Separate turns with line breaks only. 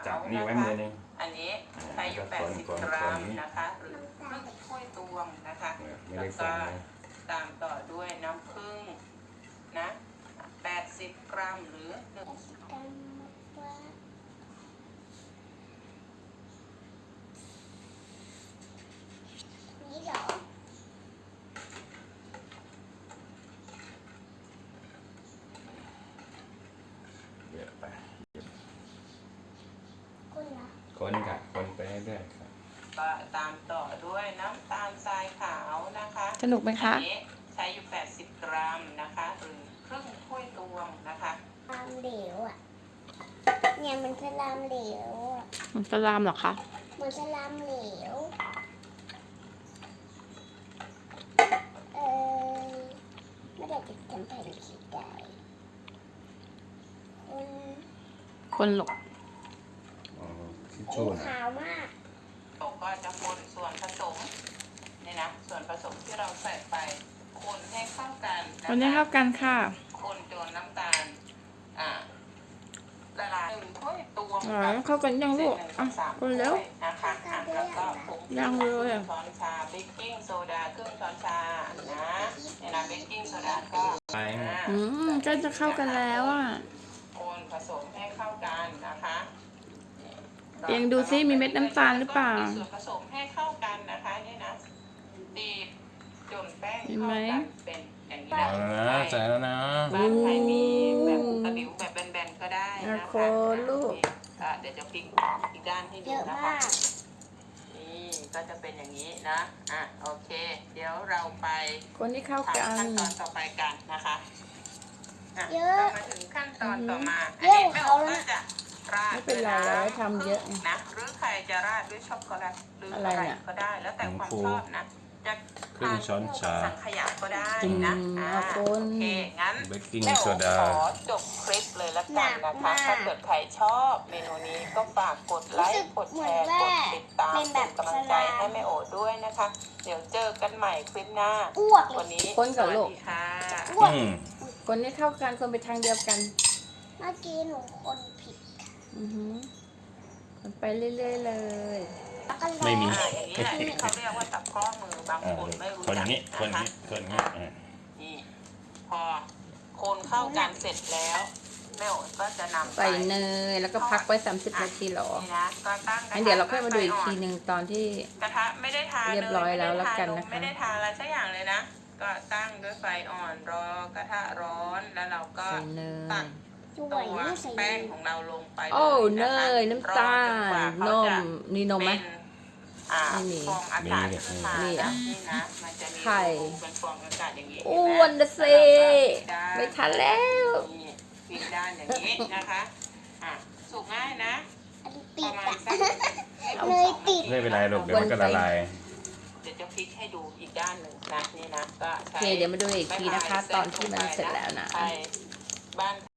จับนี่ไว้มือนึง
อันนี้ใช้อยู่80 กรัมนะคะหรือครึ่งถ้วยตวงนะคะแล้วก็ตามต่อด้วยน้ำผึ้งนะ80 กรัมหรือ
นี่เหรอ
เยอะไป
คุณเหรอ
คนค่ะคนไปเรื่อยๆค่ะ
ก็ตามต่อด้วยน้ำตาลทรายขาวนะคะ
สนุกไหมคะ
อันนี้ใช้อยู่80 กรัมนะคะหรือครึ่งถ้วยตวงนะคะ
ลามเหลวอ่ะเนี่ยมันจะลามเหลวอ่ะ
มันสลามเหรอคะ
มันจะลามเหลวไม่ได้จะทำแผ่นขีดได้
คนหลก
ทิชชู่นะ
ขาวมาก
เราก็จะคนส่วนผสมนี่นะส่วนผสมที่เราใส่ไปคนให้เข้ากันนะคะ
คนให้เข้ากันค่ะ
คนจนน้ำตาลละลาย1 ถ้วยตวง
เข้ากันยังลูกคนแล้ว
นะคะแล้วก็ผง
ยังเลย
ช้อนชาเบกกิ้งโซดาครึ่งช้อนชานะเนี่ยนะเบกกิ้งโซดาก็
ไป
ก็จะเข้ากันแล้วอ่ะ
คนผสมให้เข้ากันนะคะ
เองดูซิมีเม็ดน้ำตาลหรือเปล่า
ส่วนผสมให้เข้ากันนะคะนี่นะตีจนแป้ง
เห็น
เข้า
ไหม
กันเป็นอย่างนี้
เอาแล้วนะใส่แล้วนะ
บ้านใครมีแบบตะหลิวแบบแบนๆก็ได้นะคะ
คนลูก
เดี๋ยวจะพลิกอีกด้านให้
เย
ดู
อะ
นะ
มา
คะ
ก
นี่ก็จะเป็นอย่างนี้นะโอเค เดี๋ยวเราไป
คนที่เข้า
ทำ
กั
ขั้
น
นตอนต่อไปกันนะคะ
เยอะ
เรามาถึงขั้นตอนต่อมา
เยอะ
แม่
เขา
โอ๋
แล้ว
ก็จะราด
ไม่เป็นไรเราได้ทำเยอะ
นะหรือใครจะราดด้วยช็อกโกแลตหรือ
อะ
อะไร ไร
เนี่ย
ก็ได้แล้วแต่ความชอบนะจะ
ครึ่งช้อนชา
สังขยาก็ได้นะโอเคงั้น
เบกกิ้ง
แม่
โซ
โอ๋
ดา
ขอจบคลิปเลยละกันนะคะถ้าเกิดใครชอบเมนูนี้ก็ฝากกดไลค์กดแชร์กดติดตามเป็นกำลังใจให้แม่โอ๋ด้วยนะคะ เดี๋ยวเจอกันใหม่คลิปหน้า
อ้วกเล
วั
ย
นนี้
คนกับ
ส
ลู
วัส
ก
ดีค่ะ
อ้วก
คนที่เข้ากันคนไปทางเดียวกัน
เมื่อกี้หนูคนผิด
คนไปเรื่อยๆเลย
แล้วก็
ไม่มี
อย่างนี้แหละที่เขาเรียกว่าตับข้อมือบางคนไม่รู้
คนอ
จั
ย่าก งนี้คนอย่าง
นะคะ
นี้คนอย่างนี้
นี่พอคนเข้ากันเสร็จแล้วแม่โอ๋ก็จะนำไป
ใส่เนยแล้วก็พักไว้30 นาทีหรอ
นี่นะก็ตั้งกระทะ
งั้นเดี๋ยวเราค่อยมาดูอีกทีหนึ่งตอนที่
กระทะไม่ได้ทา
เรียบร้อยแล้วแล้วกันนะคะ
ไม่ได้ทาอะไรสักอย่างเลยนะ ก็ตั้งด้วยไฟอ่อนรอกระทะร้อนแล้วเราก็
ใส่เน
ตั
ย
ก
สว
ตั
ยว ไม่ใส่
แป้งของเราลงไป
โอ้
ล
เน
นะคะ
ยน้ำตาล
รอจกว่
น
เขาจะ
มนี่นมไหม
เป็น
ไม่มี
ฟองอากาศขึ้นมา
นี่อ่ะ
นี่นะมันจะมี
ไข่
เป็นฟองอากาศอย่างนี้
อ้วนนะเซไม่ทันแล้ว
นี่ปิดด้านอย่างนี้นะคะสุกง่ายนะ
อันนี้
ป
ติ
ระ
ด
มาณ
อะ
สัก
เลยติด
ไม่เป็นไรหรอกเดี๋ยวมันก็ละลาย
เดี๋ยวจะพลิกให้ดูอีกด้านหนึ่งนะนี่นะก็
โอเคเดี๋ยวมาดูอีกทีนะคะ ตอนที่มันเสร็จแล้วนะ
ใช่บ้าน